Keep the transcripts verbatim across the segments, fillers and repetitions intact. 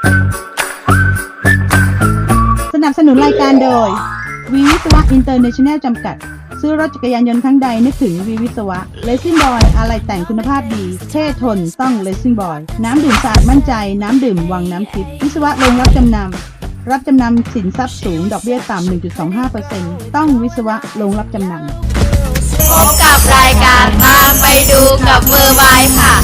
สนับสนุนรายการโดยวีวิศวะอินเตอร์เนชั่นแนลจำกัดซื้อรถจักรยานยนต์ครั้งใดนึกถึงวีวิศวะเลสซิ่งบอยอะไรแต่งคุณภาพดีเท่ทนต้องเลสซิ่งบอยน้ำดื่มสะอาดมั่นใจน้ำดื่มวังน้ำทิพย์วิศวะโรงรับจำนำรับจำนำสินทรัพย์สูงดอกเบี้ยต่ำ หนึ่งจุดสองห้าเปอร์เซ็นต์ ต้องวิศวะโรงรับจำนำพบกับรายการตามไปดูกับมือไม้ค่ะ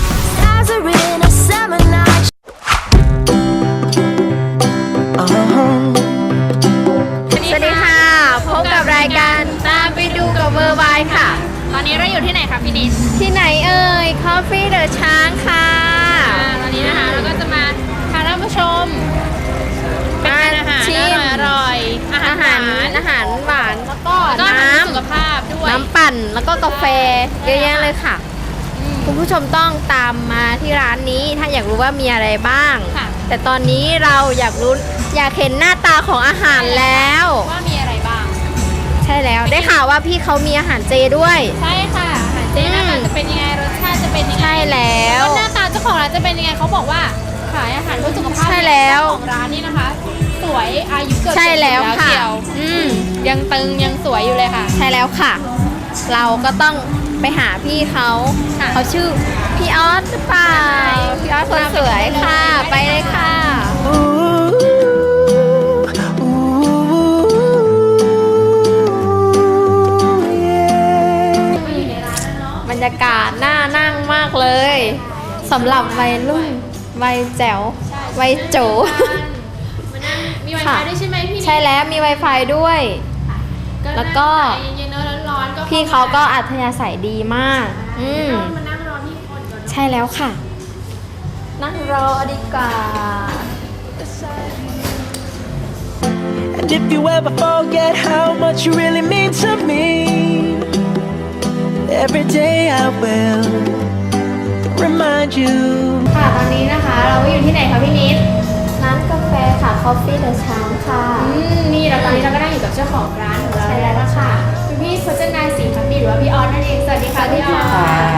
สวัสดีค่ะพบกับรายการตามไปดูกับมือไม้ค่ะตอนนี้เราอยู่ที่ไหนคะพี่นิดที่ไหนเอ่ย Coffee The ช้างค่ะตอนนี้นะคะเราก็จะมาพาท่านผู้ชมเป็นอาหารอร่อยอาหารอาหารหวานแล้วก็น้ำสุขภาพด้วยน้ำปั่นแล้วก็กาแฟเยอะแยะเลยค่ะคุณผู้ชมต้องตามมาที่ร้านนี้ถ้าอยากรู้ว่ามีอะไรบ้างแต่ตอนนี้เราอยากรู้อยากเห็นหน้าตาของอาหารแล้วว่ามีอะไรบ้างใช่แล้วได้ข่าวว่าพี่เขามีอาหารเจด้วยใช่ค่ะอาหารเจหน้าตาจะเป็นยังไงรสชาติจะเป็นยังไงใช่แล้วหน้าตาเจ้าของร้านจะเป็นยังไงเขาบอกว่าขายอาหารเพื่อสุขภาพใช่แล้วของร้านนี้นะคะสวยอายุเกินใช่แล้วค่ะอืมยังตึงยังสวยอยู่เลยค่ะใช่แล้วค่ะเราก็ต้องไปหาพี่เขาเขาชื่อพี่ออสหรือเปล่าพี่ออสคนสวยค่ะไปเลยค่ะบรรยากาศน่านั่งมากเลยสำหรับวัยรุ่นวัยแจ๋ววัยโจมี Wi-Fi ด้วยใช่ไหมพี่ใช่แล้วมี Wi-Fi ด้วยแล้วก็พี่เขาก็อัธยาศัยดีมากอืมใช่แล้วค่ะนั่งรอดีกว่า And if you ever forget how much you really mean to me, every day I will remind you. ค่ะตอนนี้นะคะเราอยู่ที่ไหนคะพี่นิดร้านกาแฟค่ะ Coffee The ช้างค่ะอืมนี่เราตอนนี้เราก็นั่งอยู่กับเจ้าของร้านของเราแล้วค่ะคุณพี่พจนาศรีพักดีหรือว่าพี่ออสนั่นเองสวัสดีค่ะพี่ออส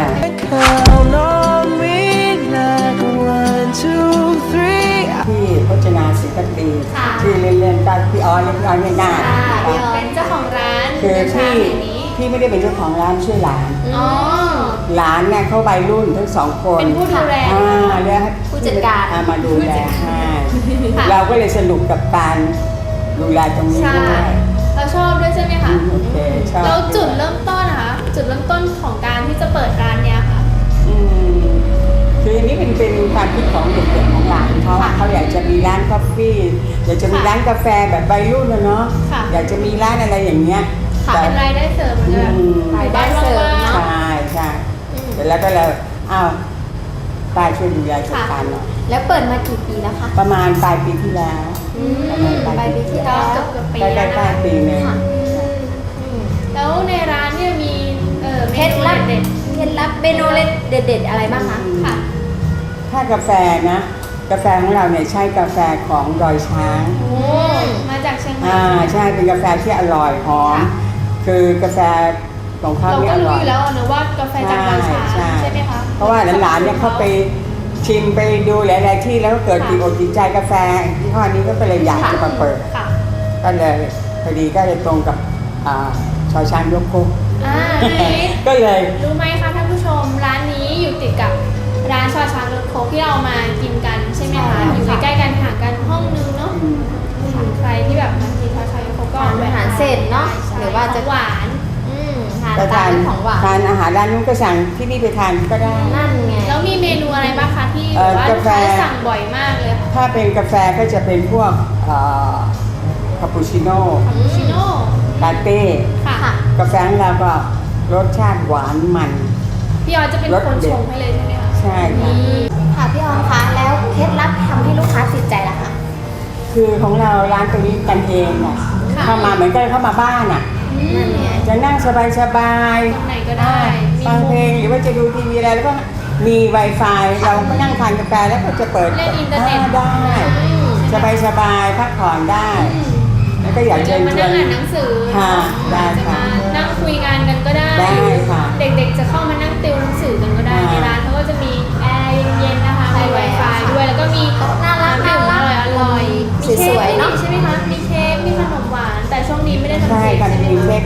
Count on me like one, two, three. พี่พจนาศรีพักดีชื่อเล่นๆก็พี่ออสเรียกพี่ออสง่ายๆพี่ออสเป็นเจ้าของร้านคือพี่พี่ไม่ได้เป็นเจ้าของร้านช่วยหลานอ๋อหลานเนี่ยเขาวัยรุ่นทั้งสองคนเป็นผู้ดูแลอ่าเรียกผู้จัดการมาดูแลให้เราก็เลยสนุกกับการดูแลตรงนี้ด้วยเราชอบด้วยใช่ไหมคะโอเคชอบแล้วจุดเริ่มต้นนะคะจุดเริ่มต้นของการที่จะเปิดร้านเนี้ยค่ะอืมคืออันนี้เป็นเป็นความคิดของเด็กๆของหลานเขาเขาอยากจะมีร้านกาแฟอยากจะมีร้านกาแฟแบบวัยรุ่นนะเนาะอยากจะมีร้านอะไรอย่างเงี้ยเป็นรายได้เสริมเหมือนกันรายได้เสริมใช่ใช่แต่แล้วก็เลยอ้าวป้าช่วยดูแลจัดการหน่อยแล้วเปิดมากี่ปีแล้วคะประมาณปลายปีที่แล้วปลายปีที่แล้วเกือบเกือบปีแล้วปลายปีนึงแล้วในร้านเนี่ยมีเคล็ดลับเด็ดเคล็ดลับเมนูเด็ดๆอะไรบ้างคะค่ะถ้ากาแฟนะกาแฟของเราเนี่ยใช้กาแฟของดอยช้างโอ้มาจากเชียงใหม่อ่าใช่เป็นกาแฟที่อร่อยหอมคือกาแฟของเขาเนี่ยอร่อยเราก็รู้อยู่แล้วนะว่ากาแฟจากดอยช้างใช่ไหมคะเพราะว่าหลานๆเนี่ยเขาไปชิมไปดูหลายๆที่แล้วก็เกิดติดอกติดใจกาแฟที่ห้อนี้ก็เลยอยากจะมาเปิดก็เลยพอดีก็เลยตรงกับชอช้างยกคุกก็เลยรู้ไหมคะท่านผู้ชมร้านนี้อยู่ติดกับร้านชอช้างยกคุกที่เรามากินกันใช่ไหมคะอยู่ใกล้ๆกันห่างกันห้องนึงเนาะใครที่แบบมากินชอช้างยกคุกก็อาหารเสร็จเนาะหรือว่าจะหวานทานของหวานทานอาหารร้านนู้นก็สั่งที่นี่ไปทานก็ได้นั่นไงแล้วมีเมนูอะไรบ้างคะที่ว่าลูกค้าสั่งบ่อยมากเลยถ้าเป็นกาแฟก็จะเป็นพวกคาปูชิโน่คาปูชิโน่ลาเต้กาแฟของเราก็รสชาติหวานมันพี่ออจะเป็นคนชงให้เลยใช่ไหมคะใช่ค่ะค่ะพี่ออคะแล้วเคล็ดลับทำให้ลูกค้าติดใจล่ะคะคือของเราร้านตรงนี้กันเองอ่ะเข้ามาเหมือนกันเข้ามาบ้านอ่ะจะนั่งสบายๆตรงไหนก็ได้ฟังเพลงหรือว่าจะดูทีวีอะไรแล้วก็มี Wi-Fi เราก็นั่งทานกาแฟแล้วก็จะเปิดเล่นอินเทอร์เน็ตได้สบายๆพักผ่อนได้แล้วก็อยากจะมานั่งอ่านหนังสือค่ะได้ค่ะนั่งคุยงานกันก็ได้ได้ค่ะเด็กๆจะเข้ามานั่งติวหนังสือกันก็ได้ในร้านเขาก็จะมีแอร์เย็นๆนะคะมี Wi-Fi ด้วยแล้วก็มีน่ารักน่า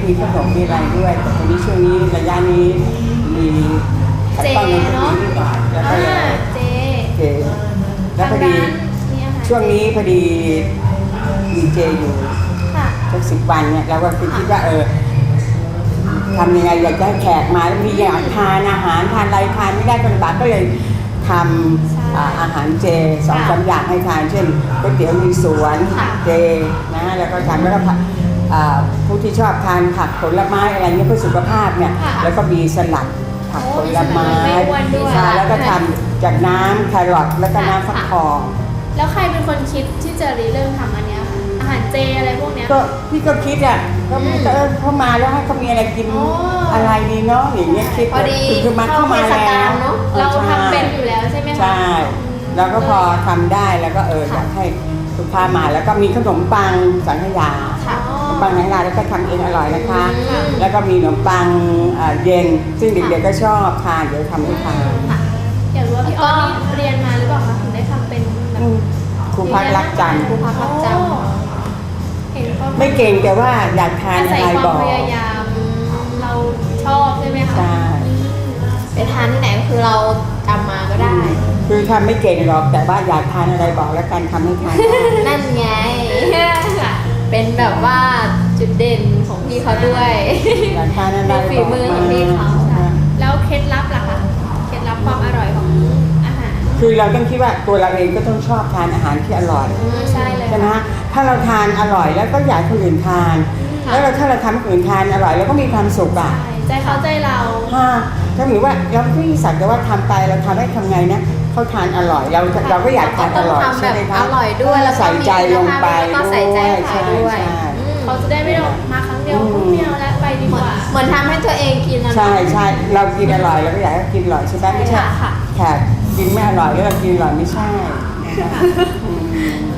มีขนมมีอะไรด้วยแต่ตอนนี้ช่วงนี้ระยะนี้มีขัดข้องในตรงนี้นิดหน่อยแล้วก็เลยอ่าเจเจแล้วพอดีทางร้านมีอาหารช่วงนี้พอดีมีเจอยู่ค่ะสักสิบวันเนี่ยเราก็คิดว่าเออทำยังไงอยากจะให้แขกมาแล้วมีอยากทานอาหารทานอะไรทานไม่ได้คนลำบากก็เลยทำอ่าอาหารเจสองสามอย่างให้ทานเช่นก๋วยเตี๋ยวมีสวนเจนะแล้วก็ทำแล้วก็ผักอ่าผู้ที่ชอบทานผักผลไม้อะไรเงี้ยเพื่อสุขภาพเนี่ยแล้วก็มีสลัดผักผลไม้ทานแล้วก็ทำจากน้ำแครอทแล้วก็น้ำฟักทองแล้วใครเป็นคนคิดที่จะริเริ่มทำอันเนี้ยคะอาหารเจอะไรพวกเนี้ยก็พี่ก็คิดอ่ะก็มันก็เออเข้ามาแล้วให้เขามีอะไรกินอ๋อออะไรดีเนาะอย่างเงี้ยคิดพอดีคือคือมาเข้ามาเข้าเทศแล้กาลวเนอะออเราใช่ทำเป็นอยู่แล้วใช่ไหมคะใช่แล้วก็พอทำได้แล้วก็เอออยากให้ลูกค้ามาแล้วก็มีขนมปังสังขยาค่ะขนมปังสังขยาแล้วก็ทำเองอร่อยนะคะอืมแล้วก็มีขนมปังเอ่อเย็น ซึ่งเด็กๆก็ชอบทานเดี๋ยวทำให้ทานค่ะอยากรู้ว่าพี่ออสนี่เรียนมาหรือเปล่าคะถึงได้ทำเป็นแบบอืมครูพักรักจันทร์ครูพักรักจันทร์เห็นเขาไม่เก่งแต่ว่าอยากทานอาอะศัยไรความบอกพยายามเราชอบใช่ไหมคะใช่ไปทานที่ไหนคือเราจำมาก็ได้คือทำไม่เก่งหรอกแต่ว่าอยากทานอะไรบอกแล้วกันทำให้ทานได้นั่นไง เป็นแบบว่าจุดเด่นของพี่เขาด้วยอยากทานอะไรฝีมือของพี่เขา แล้วเคล็ดลับล่ะคะ เคล็ดลับความอร่อยของอาหารคือเราต้องคิดว่าตัวเราเองก็ต้องชอบทานอาหารที่อร่อยใช่เลยใช่ไหมฮะถ้าเราทานอร่อยแล้วก็อยากให้คนอื่นทานค่ะแล้วเราถ้าเราทำให้คนอื่นทานอร่อยแล้วก็มีความสุขอ่ะใช่ใจเขาใจเราฮะถ้าหรือว่าเราไม่สักแต่ว่าทำไปเราทำให้ทำไงนะเขาทานอร่อยเราเราก็อยากทานอร่อยต้องทำใช่ไหมแบบคะอร่อยด้วยแล้วก็ใส่ใจลงไปแล้วก็ใส่ใจด้วยใส่ใช่ด้วยใช่เขาจะได้ไม่ต้องมาครั้งเดียวอืมไม่เอาแล้วไปดีกว่า เหมือนทำให้ตัวเองกินนะใช่ใช่เรากินอร่อยเราก็อยากให้กินอร่อยใช่ไหมไม่ใช่ค่ะแขกกินไม่อร่อยแล้วเรากินอร่อยไม่ใช่นะคะอืม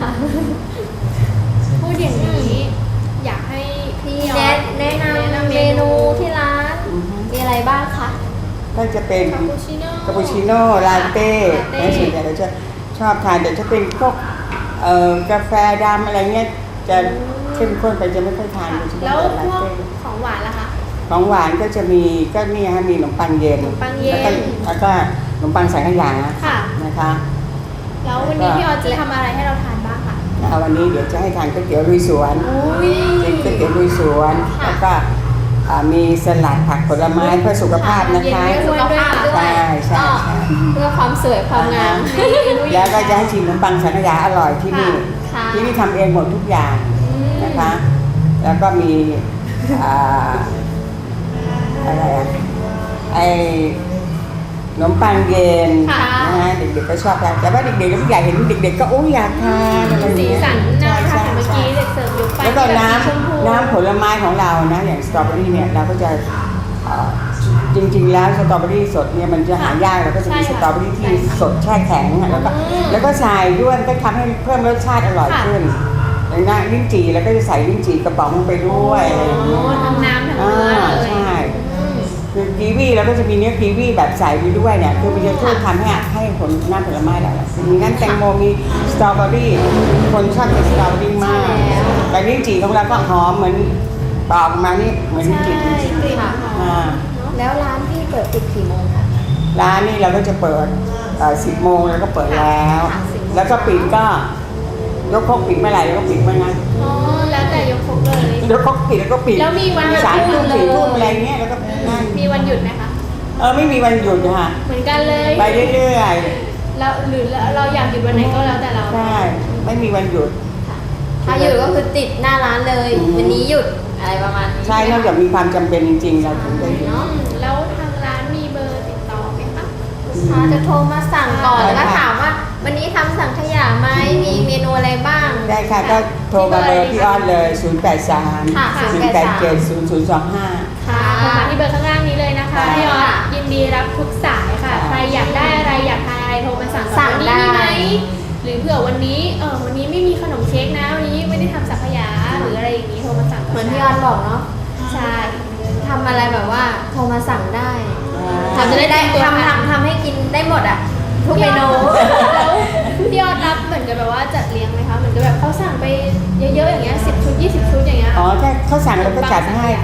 พูดอย่างนี้อยากให้พี่แนะแนะนำเมนูที่ร้านอือฮึมีอะไรบ้างคะก็จะเป็นคาปูชิโน่คาปูชิโน่ลาเต้ลาเต้และส่วนใหญ่เราจะชอบทานแต่ถ้าเป็นพวกเอ่อกาแฟดำอะไรเงี้ยจะเข้มข้นไปจะไม่ค่อยทานโดยเฉพาะแล้วลาพวกเต้ของหวานล่ะคะของหวานก็จะมีก็นี่ฮะมีขนมปังเย็นขนมปังเย็นแล้วก็แล้วก็ขนมปังสังขยาค่ะนะคะแล้ววันนี้พี่ออสจะทำอะไรให้เราทานบ้างคะแล้ววันนี้เดี๋ยวจะให้ทานก๋วยเตี๋ยวลุยสวนอุ้ยเป็นก๋วยเตี๋ยวลุยสวนค่ะแล้วก็อ่ามีสลัดผักผลไม้เพื่อสุขภาพนะคะเย็นด้วยสุขภาพด้วยใช่ใช่ก็ใช่เพื่อความสวยความงามแล้วก็จะให้ชิมขนมปังสังขยาอร่อยที่นี่ค่ะที่นี่ทำเองหมดทุกอย่างนะคะ แล้วก็มีอ่าอะไรอะไอขนมปังเย็นค่ะนะฮะเด็กๆก็ชอบทานแต่ว่าเด็กๆก็ผู้ใหญ่เห็นเด็กๆก็โอ้ยอยากทานอะไรอย่างสีเงี้ยสันน่าทานใช่เมื่อใช่กี้เด็กเสิร์ฟยกไปแล้วก็น้แบบสีชมพูำน้ำผลไม้ของเรานะอย่างสตรอเบอรี่เนี่ยเราก็จะเอ่อจริงๆแล้วสตรอเบอรี่สดเนี่ยมันจะหายากเราก็จะมีใช่สค่ะตรอเบอรี่ที่สดแช่แข็งอะแล้วก็อืมแล้วก็ใส่ด้วยก็ทำให้เพิ่มรสชาติอร่อยค่ะขึ้นอย่างนั้นลิ้นจี่แล้วก็จะใส่ลิ้นจี่กระป๋องลงไปด้วยอะไรอย่างเงี้ยโอ้ทั้งน้ำทั้งอ่าเนื้อเลยใช่อืมคือกีวีเราก็จะมีเนื้อกีวีแบบใส่ไปด้วยเนี่ยคือมันจะช่วยทำให้ให้ผลน้ำผลไม้หลายๆมีงั้นแตงโมมีสตรอเบอรี่คนชอบกินสตรอเบอรี่มากใช่แล้วแต่ลิ้นจี่ของเราก็หอมเหมือนปอกมานี่เหมือนลิ้นใช่จี่จริงกลิ่นหอๆอ่ามแล้วร้านพี่เปิดปิดกี่โมงคะร้านนี้เราก็จะเปิดสิบโมงแล้วก็เปิดแล้วค่ะสิบโมงแล้วก็ปิดก็ยกครกปิดเมื่อไหร่แล้วก็ปิดเมื่อนั้นอ๋อแล้วแต่ยกครกเลยยกครกปิดแล้วก็ปิดแล้วมีวันหยุดสามทุ่มเลยสี่ทุ่มอะไรเงี้ยแล้วก็นั่นมีวันหยุดไหมคะเออไม่มีวันหยุดค่ะเหมือนกันเลยไปเรื่อยแล้วหรือเราอยากหยุดวันไหนก็แล้วแต่เราๆใช่ไม่มีวันหยุดถ้าหยุดก็คือติดหน้าร้านเลยอืมวันนี้หยุดอะไรประมาณนี้ใช่นอกจากมีความจำเป็นจริงๆ เราถึงได้หยุดเนาะแล้วทางร้านมีเบอร์ติดต่อไหมคะลูกค้าจะโทรมาสั่งก่อนใช่แล้วก็ค่ะถามว่า วันนี้ทำสังขยาไหมมีเมนูอะไรบ้างได้ค่ะก็โทรมาเบอร์พี่ออสเลย ศูนย์ แปด สามค่ะศูนย์ แปด เจ็ด ศูนย์ ศูนย์ สอง ห้าค่ะโทรมาที่เบอร์ข้างล่างนี้เลยนะคะค่ะพี่ออสยินดีรับทุกสายค่ะค่ะใครอยากได้อะไรอยากทานอะไรโทรมาสั่งก่อนสั่งวันนี้มีไหมได้หรือเผื่อวันนี้เออวันนี้ไม่มีขนมเค้กนะวันนี้ไม่ได้ทำสังขยาหรืออะไรอย่างนี้โทรมาสั่งเหมือนที่ออนบอกเนาะใช่ทำอะไรแบบว่าโทรมาสั่งได้ทำจะได้ได้เตรียมตัวทำทานทำทำให้กินได้หมดอ่ะ ทุกเมนูแล้วพี่ออสรับเหมือนกับแบบว่าจัดเลี้ยงไหมคะเหมือนกับแบบเขาสั่งไปเยอะๆอย่างเงี้ยสิบชุดยี่สิบชุดอย่างเงี้ยอ๋อถ้าเขาสั่งเราก็จัดให้ค่ะได้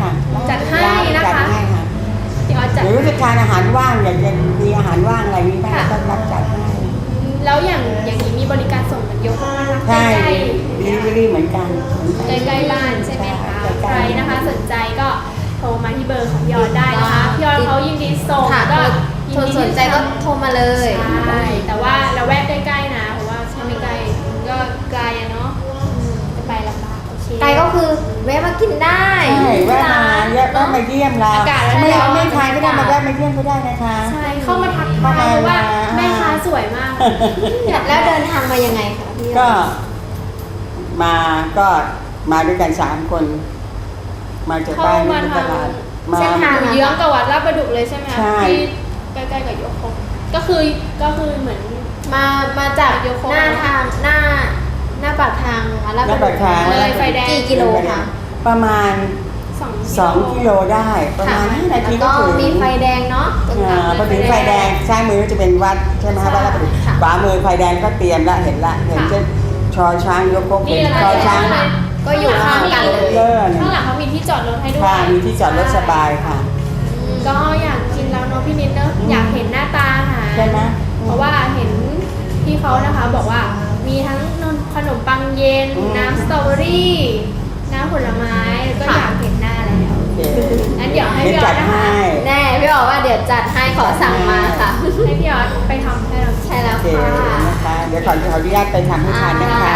จัดให้ร้านนะจัดคะให้ค่ะพี่ออสจัดหรือว่าจะทานอาหารว่างอยากจะมีอาหารว่างอะไรนี้บ้างค่ะก็รับจัดให้แล้วอย่างอย่างนี้มีบริการส่งกันยกไหมคะใช่ใกล้ดีลิเวอรี่เหมือนกันเหมือนๆกันใกล้ๆบ้านใช่ไหมคะใกล้ๆใครนะคะสนใจก็โทรมาที่เบอร์ของพี่ออสได้นะคะพี่ออสเขายินดีส่งค่ะก็โทรสนใจก็โทรมาเลยใช่แต่ว่าเราแวกใกล้ๆนะเพราะว่าถ้าไม่ใกล้มันก็ไกลอะเนาะอืมจะไปลำบากโอเคไกลก็คือแวะมากินได้ใช่แวะมาแวะมาเยี่ยมเราอากาศไม่ร้อนๆไม่ทานก็ได้มาแวะมาเยี่ยมก็ได้นะคะใช่เข้ามาทักเข้าทายมาเพราะว่าอ่าแม่ค้าสวยมากแล้วเดินทางมายังไงคะพี่ก็มาก็มาด้วยกันสามคน มาจากเข้าบ้านมาที่ตทางลาดมาเส้นทางเยื้องกับวัดลาดประดุกเลยใช่ไหมคะใช่ที่ใกล้ๆกับยกคงก็คือก็คือเหมือนมามาจากโยโกหน้าทางหน้าหน้าปากทางวัดลาดหน้าปากทางเลยไฟแดงกี่กิโลคะประมาณสองสองกิโลได้ประมาณห้านาทีแล้วก็ก็ถึงมีไฟแดงเนาะตรงกลางอ่าพอถึงไฟแดงซ้ายมือก็จะเป็นวัดใช่ไหมคะวัดลาดประดุกค่ะขวามือไฟแดงก็เตรียมละเห็นละเห็นเช่นชอช้างยกพกนี่เป็นเลยชอช้างค่ะก็อยู่ข้างกันเลยเลิศข้างหลังเขามีที่จอดรถให้ด้วยค่ะมีที่จอดรถสบายค่ะก็อยากกินแล้วเนาะพี่นิดเนอะอืมอยากเห็นหน้าตาอาหารใช่ไหมเพราะว่าเห็นพี่เขานะคะบอกว่ามีทั้งขนมปังเย็นอืมน้ำสตรอเบอรี่ น้ำผลไม้แล้วก็อยากเห็นหน้าแล้วโอเคงั้นเดี๋ยวให้เดี๋ยวพี่อจัอดสนะคะให้แน่พี่บอกว่าเดี๋ยวจัดให้ขอสั่งมาค่ะให้พี่ออสไปทำให้เราใช่แล้วโอเคค่ะนะคะเดี๋ยวขอขออนุญาตไปทำให้ทานนะคะ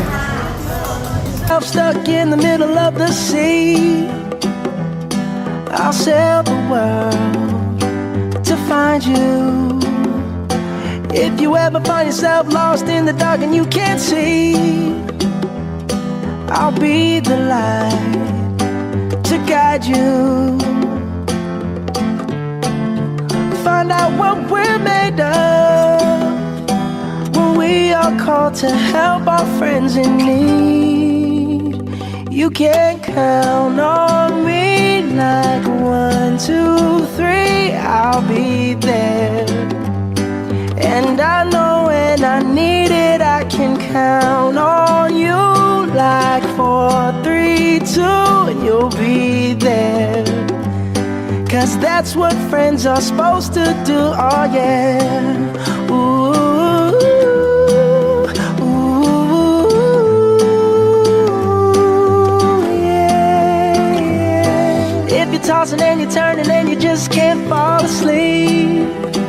I'm stuck in the middle of the sea. I'll sail the world to find you. If you ever find yourself lost in the dark and you can't see, I'll be the light to guide you. Find out what we're made of when we are called to help our friends in need. You can count on me like one, two, three, I'll be there. And I know when I need it, I can count on you like four, three, two, and you'll be there. Cause that's what friends are supposed to do, oh yeah. Ooh, ooh, yeah, yeah. If you're tossing and you're turning and you just can't fall asleep,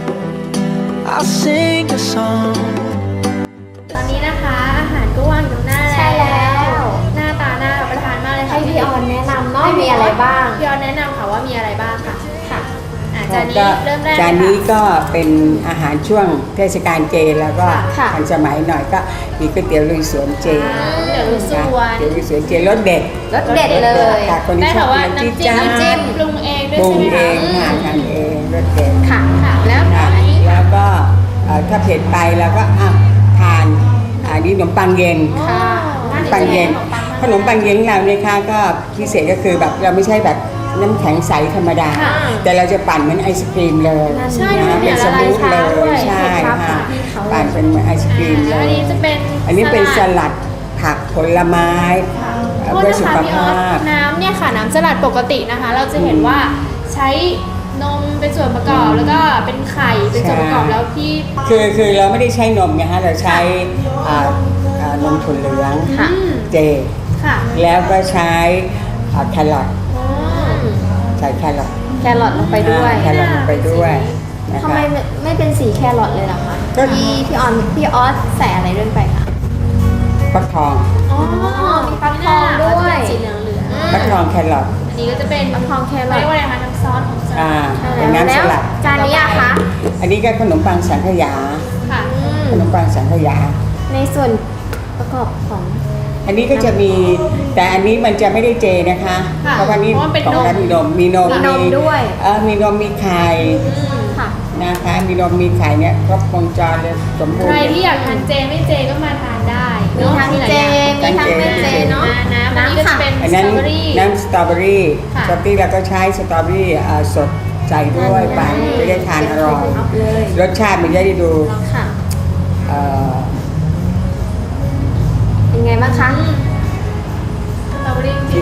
I'll sing a song. ตอนนี้นะคะอาหารก็วางอยู่ตรงหน้าใช่แล้วหน้าตาน่ารับประทานมากเลยค่ะให้พี่ออนแนะนำเนาะมีอะไรบ้างพี่ออนแนะนำค่ะว่ามีอะไรบ้างค่ะค่ะอ่ะจานนี้ก็เริ่มแรกจานนี้ค่ะก็เป็นอาหารช่วงเทศกาลเจแล้วก็ค่ะทันสมัยหน่อยก็มีก๋วยเตี๋ยวลุยสวนเจอ่าเดี๋ยวลุยสวนเตี๋ยวลุยสวนเจรสเด็ดรสเด็ดเลยค่ะคนที่ได้ชแต่อบว่าน้ำน้ำจิ้จิ้มมจ้าน้ำจิ้มปรุงเองด้วยปรุงใช่ไหมเอคะงค่ะทำเองรสเด็ดค่ะค่ะแล้วค่ะอันนี้แล้วก็เอ่อถ้าเผ็ดไปเราก็อ่ะทานอันนี้ขนมปังเย็นค่ะขนมปังเย็นขนมปังเย็นของเราเนี่ยค่ะก็พิเศษก็คือแบบเราไม่ใช่แบบน้ำแข็งใสธรรมดา แต่เราจะปั่นเหมือนไอศครีมเลยใช่นะเนี่เป็ยนสละลายมูทช้าเลด้วยยใช่ครับค่ะพี่เขาปั่นเป็นเหมือนไอศครีมเลอันยนี้จะเป็นอันนี้เป็นสลัดผักผลไม้เอ่อโทษเพื่อนะสุคะขพี่ออภาสพน้ำเนี่ยค่ะน้ำสลัดปกตินะคะ เราจะเห็นว่าใช้นมเป็นส่วนประกอบแล้วก็เป็นไข่เป็นส่วนประกอบใช่แล้วพี่คือคือเราไม่ได้ใช้นมไงฮะเราใช้อ่าอ่านมถั่วเหลืองค่ะอืมเจค่ะแล้วก็ใช้อ่าแครอทอ๋อใส่แครอทแครอทลงไปด้วยอ่าแครอทลงไปด้วยนะทำไมคะไม่ไม่เป็นสีแครอทเลยล่ะคะก็พี่พี่ออนพี่ออสใส่อะไรด้วยไปคะฟักทองอ๋อมีฟักทองด้วยสีเหลืองเหลืองฟักทองแครอทอันนี้ก็จะเป็นฟักทองแครอทเรียกว่าอะไรคะน้ำซอสของสลัอ่าดเป็นน้ำสลัดจานนี้อะคะอันนี้ก็ขนมปังสังขยาค่ะอืมขนมปังสังขยาในส่วนประกอบของอันนี้ก็จะมีแต่อันนี้มันจะไม่ได้เจนะคะค่ะเพราะว่านี่เพราะมันเป็นของนมร้านมีนมมีนมมีนมด้วยเออมีนมมีไข่อืมค่ะนะคะมีนมมีไข่เนี่ยครบวงจรเลยสมบูรใครณ์ที่อยากทานเจไม่เจก็มาทานได้มีเนอะทั้งหลายเจอย่างมีทั้งไม่เจเนาะอ่น้ำอันนี้ก็จะเป็นอันสนั้นตรอเบอรี่น้ำสตรอเบอรี่ค่ะสตรอเบอรี่เราก็ใช้สตรอเบอรี่เอ่อสดใส่ด้วยไปจะได้ทานอร่อยเลยรสชาติมันจะได้ดูค่ะเอ่อเป็นไงบ้างคะอืมสตรอเบอรี่จริจิงตๆจาด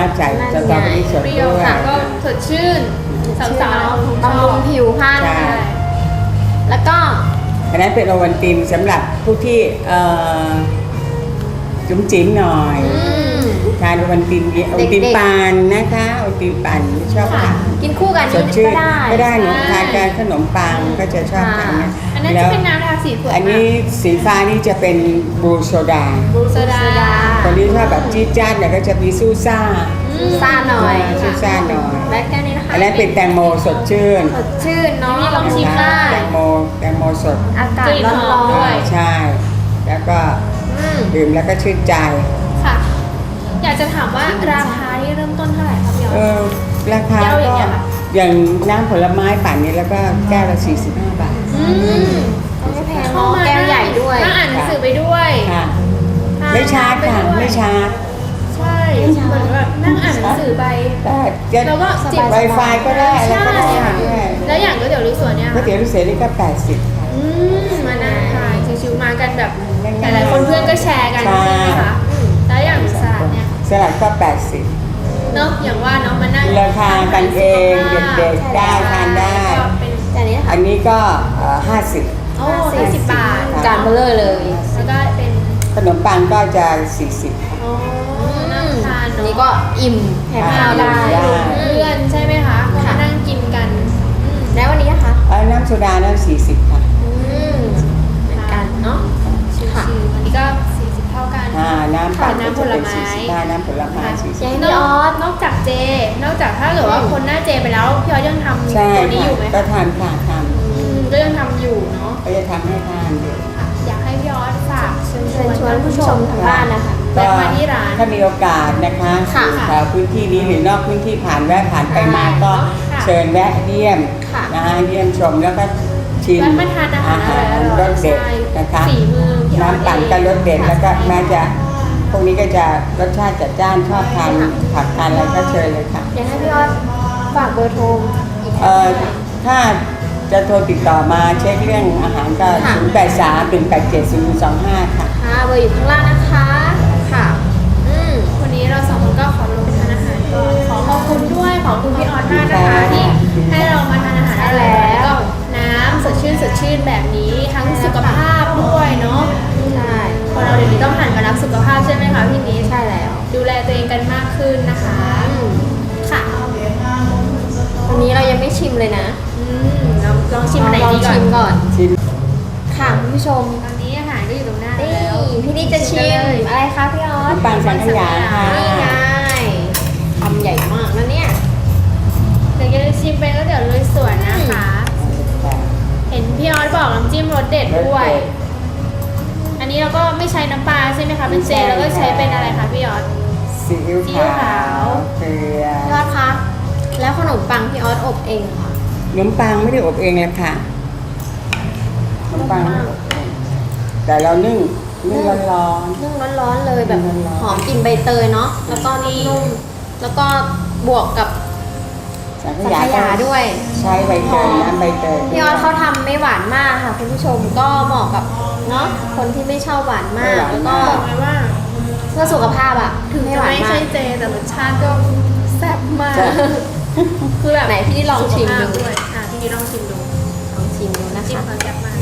ใส่สตรอเบอรี่สดเปรี้ยวด้วยค่ะก็สดชื่นสาวๆบำรุงผิวพรรณใช่แล้วก็อันนั้นเป็นโอวัลตินสำหรับผู้ที่เอ่อจุ๋มจิ๋มหน่อยอืมทานโอวัลตินโอวัลตินปั่นนะคะโอวัลตินปั่นชอบค่ะทานกินคู่กันสนี่ดชื่นก็ได้ก็ได้หนูใช่ทานกับขนมปังก็จะชอบทานนะอันนั้นแล้จะวเป็นน้ำทาสีสวยอันนี้สีฟ้านี่จะเป็นบลูโซดาบลูโซดาคนที่ชอบแบบจี๊ดจ๊าดเนี่ยก็จะมีซูซ่าซ่าหน่อยซูซ่าหน่อยและแค่นี้นะคะอันนั้นเป็นแตงโมสดชื่นสดชื่นเนาะนี่ลองชิมนะคะได้แตงโมแตงโมสดอากาศกลิ่นร้หอมอด้นวยใช่ แล้วก็ๆอืมดื่มแล้วก็ชื่นใจค่ะ อยากจะถามว่าราคาที่เริ่มต้นเท่าไหร่ครับพี่ออเอสอราคาแก้วอก็ย่างเงี้ยค่ะอย่างน้ำผลไม้ปั่นนี้แล้วก็แก้วละสี่สิบห้าบาทอืมไม่แพงเนาะแก้วใหญ่ด้วยนั่งอ่านหนังสือไปด้วยค่ะทนไม่ชาร์จค่ะปด้วยไม่ชาร์จใช่เหมือนแบบนั่งอ่านหนังสือไปได้จะแล้วก็จิบไวไฟก็ได้อะไรใช่ก็ได้ค่ะด้วยแล้วอย่างก๋วยเตี๋ยวลุยสวนเนี่ยก๋วยเตี๋ยวลูกเสือนี่ก็แปดสิบค่ะอืมมานั่งทานชิวๆมากันแบบง่ายๆหลายๆคนเพื่อนก็แชร์กันใช่ใช่ไหมคะอืมแล้วอย่างสลัดเนี่ยสลัดก็แปดสิบเนาะอย่างว่าเนาะมานั่งราคากันเองเด็กๆได้ทานได้ก็เป็นแต่อันนี้นะคะอันนี้ก็ห้าสิบโอ้ห้าสิบบาทจานเบลเลอร์เลยแล้วก็เป็นขนมปังก็จะสี่สิบโอ้นั่งทานอันเนาะนี้ก็อิ่มแถมข้าวได้ได้เพื่อนใช่ไหมคะก็มานั่งกินกันอืมแล้ววันนี้นะคะน้ำโซดานั้นสี่สิบค่ะอืมเหมือนกันเนาะชิวๆอันนี้ก็สี่สิบเท่ากันอ่าน้ำปั่นค่ะก็น้ำผจะลเป็นไม้สี่สิบห้าน้ำผลไม้สี่สิบยังนพี่อออก สนอกจากเจ นอกจากถ้าเกิดว่าคนหน้าเจไปแล้วพี่ออสยังทำใช่ตัวนี้อค่ะยู่ไหมก็คะทานค่ะทอืมก็ยังทำอยู่เนาะำก็จะทำให้ทานอยู่ค่ะอยากให้พี่ออสฝากเชิญชเชิวญนชวนผู้ชมทางบ้านนะคะแวะมาที่ร้านถ้ามีโอกาสนะคะค่ะแถวพื้นที่นี้หรือนอกพื้นที่ผ่านแวะผ่านไปมาก็ค่ะเชิญแวะเยี่ยมค่ะนะคะเยี่ยมชมแล้วก็ชิมแวะมาทานอาหารอร่อยๆรสเด็ดใช่นะคะฝีมือพี่ออสน้ำปั่นก็รสเด็ดแล้วก็แม้จะพวกนี้ก็จะรสชาติจัดจ้านชอบทานผักทานอะไรก็เชิญเลยค่ะอยากให้พี่ออสฝากเบอร์โทรอีกคเอ่รั้องหนึ่งถ้าจะโทรติดต่อมาเช็คเรื่องอาหารก็ค่ะศูนย์ แปด สาม หนึ่ง แปด เจ็ด ศูนย์ สอง ห้า ค่ะค่ะเบอร์อยู่ข้างล่างนะคะค่ะอืมวันนี้เราสองคนก็ขอลงทานอาหารก่อนขอขอบคุณด้วยขอบคุณพี่ออสมากนะคะค่ะที่ให้เรามาทานอาหารอร่อยๆแล้วก็น้ำสดชื่นสดชื่นแบบนี้ทั้งสุขภาพด้วยเนาะใช่คนเราเดี๋ยวนี้ต้องหันมารักสุขภาพใช่ไหมคะพี่นิดใช่แล้วดูแลตัวเองกันมากขึ้นนะคะอืมค่ะวันนี้เรายังไม่ชิมเลยนะอืมลองลองชิมอันไหนลองดีก่อชินมก่อนชิมค่ะคุณผู้ชมตอนนี้อาหารก็อยู่ตรงหน้านี่แล้วพี่นี่จะชิมอะไรคะพี่ออสน้ำปังสังขยาค่ะนี่ไงทำใหญ่มากนะเนี่ยเดี๋ยวจะชิมเป็นก็เดี๋ยวลุยสวนนะคะ เห็นพี่ออสบอกน้ำจิ้มรสเด็ดด้วย อันนี้เราก็ไม่ใช้น้ำปลาใช่ไหมคะเป็นเจแล้วก็ใช้เป็นอะไรคะพี่ออสซีอิ๊วซีอิ๊วขาขาววเกลือพี่ออสคะ แล้วขนมปังพี่ออสอบเองเหรอค่ะขนมปังไม่ได้อบเองเลยค่ะขนมปังไม่ได้อบเองแต่เรานึ่งนึ่งร้อนนึ่งร้อนๆเลยแบบนึ่งร้อนๆหอมกลิ่นใบเตยเนาะ แล้วก็นุ่มๆแล้วก็บวกกับๆสังขสังยาขยาด้วยใช้ใบเตยน้ำใบเตยพี่ออสเขาทำไม่หวานมากค่ะคุณผู้ชมก็เหมาะกับเนาะคนที่ไม่ชอบหวานมาก แล้วก็บอกเลยว่าเพื่อสุขภาพอ่ะถึงไม่จะหวานไม่มาใช่กเจแต่รสชาติก็แซ่บมาก คือแบบไหนพี่ลองชิมดูสุขภาพด้วยอ่ะพี่นิดลองชิมดูลองชิมดูนะจิ้มคะเขาแซ่บมาก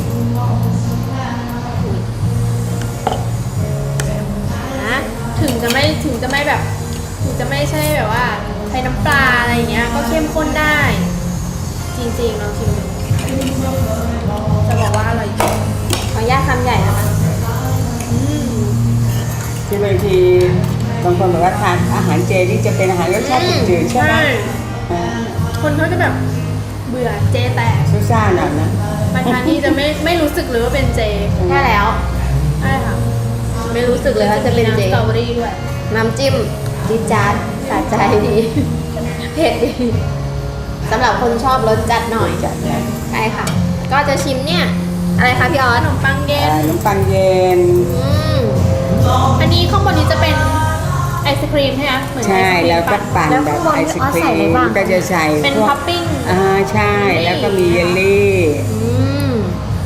นะถึงจะไม่ถึงจะไม่แบบ ถึงจะไม่ใช่แบบว่าใช้น้ำปลาอะไรอย่างเงี้ย ก็เข้มข้นได้ จริงๆลองชิมดูจะบอกว่าอร่อยจริงขออนุญาตคำใหญ่นะคะอืมที่บางทีบางคนบอกว่าทานอาหารเจนี่จะเป็นอาหารรสชาติจืดๆใช่ไหมใช่อ่าคนเขาจะแบบเบื่อเจแตกซูซ่าหน่อยนะมาทานนี่จะไม่ไม่รู้สึกเลยว่าเป็นเจแค่แล้วใช่ค่ะไม่รู้สึกเลยว่าจะเป็นเจมีำสตรอเบอรี่ด้วยน้ำจิ้มจี๊ดจ๊าดสะใจดี เผ็ดดีสำหรับคนชอบรสจัดหน่อยจัดเลยใช่ค่ะ ก็จะชิมเนี่ย อะไรคะพี่ออขสนมปังเย็นขนมปังเย็นอืมอันนี้ข้างบนนี้จะเป็นไอศครีมใช่ไหมเหมือนไอใช่ศครีมแล้วก็ปั่นปั่นแบบไอศครีมก็จะใส่เป็นพวกท็อปปิ้งอ่าใช่แล้วก็มีเยลลี่อืม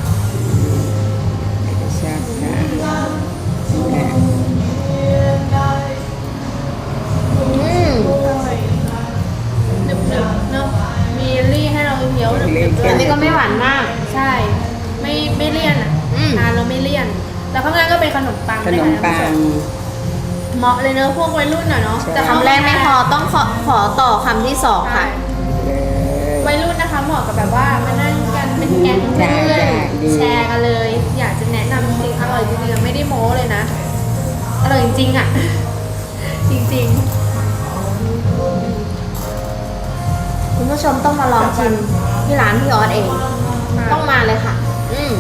ชอบค่ะอืมเลี่ยนแล้วข้างล่างก็เป็นขนมปังขนมปังเหมาะเลยเนอะพวกวัยรุ่นอ่ะเนาะใช่แต่คำแรกไม่พอต้องขอขอต่อคำที่สองค่ะเลยวัยรุ่นนะคะเหมาะกับแบบว่ามานั่งกันเป็นแก๊งเพื่อนแชร์กันเลย อยากจะแนะนำจริงๆอร่อยจริงๆไม่ได้โม้เลยนะอร่อยจริงๆอ่ะ จริงคุณผู้ชมต้องมาลองชิมที่ร้านพี่ออสเองๆต้องมาเลยค่ะ อืม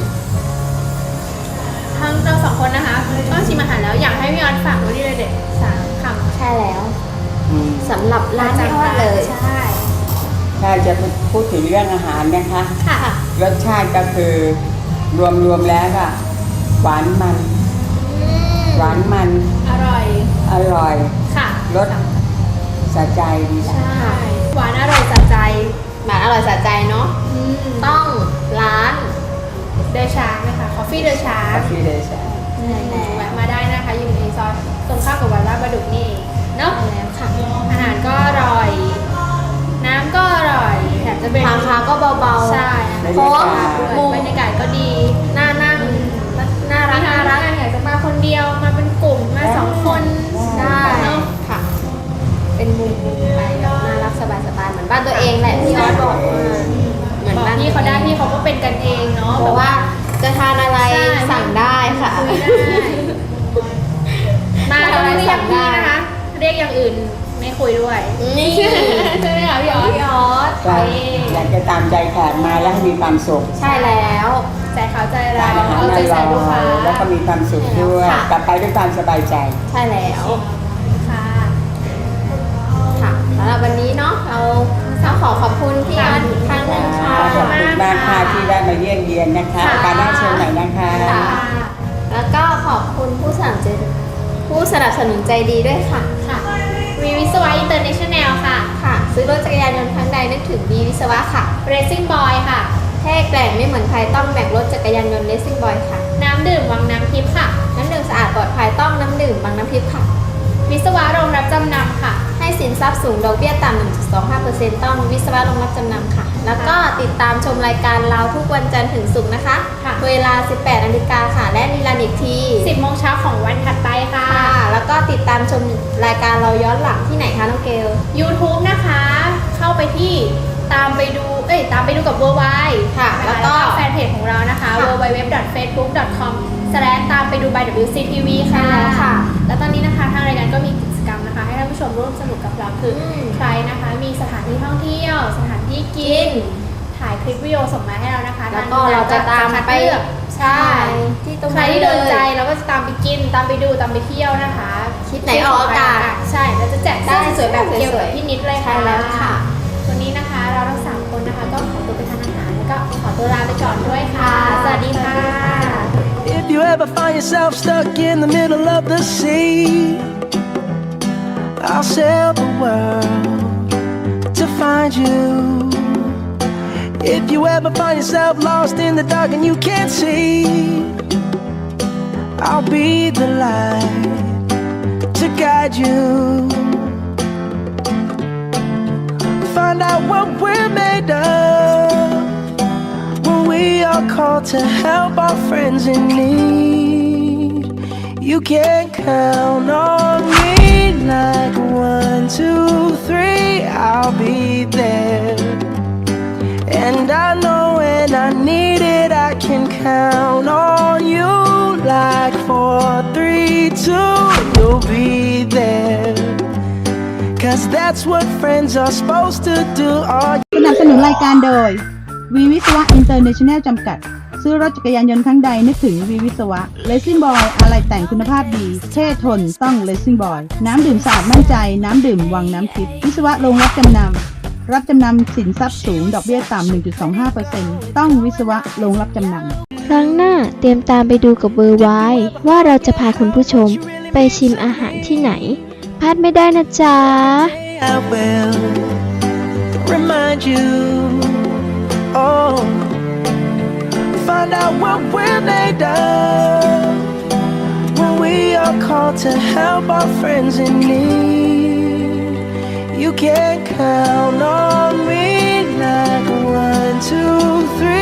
ทั้งเราสองคนนะคะก็ชิมอาหารแล้วอยากให้พี่ออนฝากไว้ด้วยเด็ดสามคำใช่แล้วอืมสำหรับร้านพี่ออสเลยใช่ถ้าจะพูดถึงเรื่องอาหารนะคะค่ะรสชาติก็คือรวมๆแล้วก็หวานมัน หวานมันอร่อยอร่อยค่ะรสสะใจดีใช่หวานอร่อยสะใจหมาอร่อยสะใจเนาะอืมต้องร้านเดอะชาร์กนะคะคอฟฟี่เดอะชาร์กที่เลยใช่แวะมาได้นะคะอยู่ในซอยตรงข้ามกับวัดลาดประดุกนี่เองเนาะใช่แล้วค่ะอาหารก็อร่อย น้ำก็อร่อยแถมจะเป็นราคาก็เบาๆใช่เพราะว่ามุมบรรยากาศก็ดีน่านั่ง น่ารักน่าน่ารัรักกอยากจะมาคนเดียวมาเป็นกลุ่มมาสองคนได้เนาะค่ะ เป็นมุมไปแบบน่ารักสบายๆเหมือนบ้านตัวเองแหละพี่ออสบอกว่าเหมือนบอกบ้านพี่เขาได้พี่เขาก็เป็นกันเองเนาะเพราะว่าจะทานอะไรใช่สั่งได้ค่ะคุยได้มาต้องเรียกพี่นะคะ เรียกอย่างอื่นไม่คุยด้วยนี่ใช่ไหมคะพี่ออสพี่ออสก็อยากจะตามใจแขกมาแล้วให้มีความสุขใช่แล้วใจเขาใจทาเรานอาหารเอาอใจใส่ร่ลูกค้าอยแล้วก็มีความสุขด้วยค่ะกลับไปด้วยความสบายใจใช่แล้วค่ะค่ะสำหรับวันนี้เนาะเราต้องขอขอบคุณพี่ออสอีกครั้งหนึ่งค่ะขอบคุณมากค่ะที่ได้มาเยี่ยมเยียนนะคะค่ะโอกาสหน้าเชิญใหม่นะคะค่ะ แล้วก็ขอบคุณผู้สนับสนุนผู้สนับสนุนใจดีด้วยค่ะค่ะวีวิศวะอินเตอร์เนชั่นแนลค่ะค่ะ ซื้อรถจักรยานยนต์ครั้งใดนึกถึงบีวิศวะค่ะ Racing Boy ค่ะแท้แกร่งไม่เหมือนใครต้องแบ่งรถจักรยานยนต์ Racing Boy ค่ะน้ำดื่มวังน้ำทิพย์ค่ะน้ำดื่มสะอาดปลอดภัยต้องน้ำดื่มบางน้ำทิพย์ค่ะวิศวะโรงรับจำนำค่ะให้สินทรัพย์สูงดอกเบี้ยต่ำ หนึ่งจุดสองห้าเปอร์เซ็นต์ ต้องวิศวะโรงรับจำนำค่ะ แล้วก็ติดตามชมรายการเราทุกวันจันทร์ถึงศุกร์นะคะค่ะเวลา สิบแปดนาฬิกาค่ะ และรีลันอีกทีสิบโมงเช้าของวันถัดไปค่ะค่ะ แล้วก็ติดตามชมรายการเราย้อนหลังที่ไหนคะน้องเกล YouTube นะคะ เข้าไปที่ตามไปดู เอ้ย ตามไปดูกับ w w w ค่ะแล้แล้ว วก็ก็แฟนเพจของเรานะคะค่ะ w w w dot facebook dot com ตามไปดู by ดับเบิลยู ซี ที วี ค่ะใช่แล้วค่ะแล้วตอนนี้นะคะทางรายการก็มีกิจกรรมนะคะ ให้ท่านผู้ชมร่วมสนุกกับเราคืออมใครนะคะ มีสถานที่ท่องเที่ยว สถานที่กิน ถ่ายคลิปวิดีโอส่งมาให้เรานะคะแล้วก็เราจะตามไปเลือกใช่ที่ตรงใครที่โดนใจเราก็จะตามไปกิน ตามไปดู ตามไปเที่ยวนะคะคลิปไหนออกอากาศใช่เราจะแจกเสื้อได้สวยๆแบบเกี่ยวสวกับยๆพี่นิดเลยค่ะใช่แล้วค่ะวันนี้นะคะเราทั้งสามคนนะคะ ก็ขอตัวไปทานอาหารแล้วก็ขอตัวลาไปก่อนด้วยค่ะ สวัสดีค่ะ If you ever find yourself stuck in the middle of the sea, I'll sail the world to find you. If you ever find yourself lost in the dark and you can't see, I'll be the light to guide you. Find out what we're made of when we are called to help our friends in need. You can count on me like one, two, three, I'll be there. And I know when I need it, I can count on you like four, three, two, you'll be there. Cause that's what friends are supposed to do. All สนับสนุนรายการโดยวีวิศวะอินเตอร์เนชั่นแนลจำกัด ซื้อรถจักรยานยนต์ครั้งใดนึกถึงวีวิศวะ Racing Boy อะไรแต่งคุณภาพดี เท่ทนต้อง Racing Boy น้ำดื่มสะอาดมั่นใจ น้ำดื่มวังน้ำทิพย์วิศวะโรงรับจำนำรับจำนำสินทรัพย์สูงดอกเบี้ยต่ำ หนึ่งจุดสองห้าเปอร์เซ็นต์ ต้องวิศวะโรงรับจำนำครั้งหน้าเตรียมตามไปดูกับเบอร์ไว้ว่าเราจะพาคุณผู้ชมไปชิมอาหารที่ไหนพลาดไม่ได้นะจ๊ะ I will remind you. Oh, find out what we're made of when we are called to help our friends in need. You can count on me like one, two, three.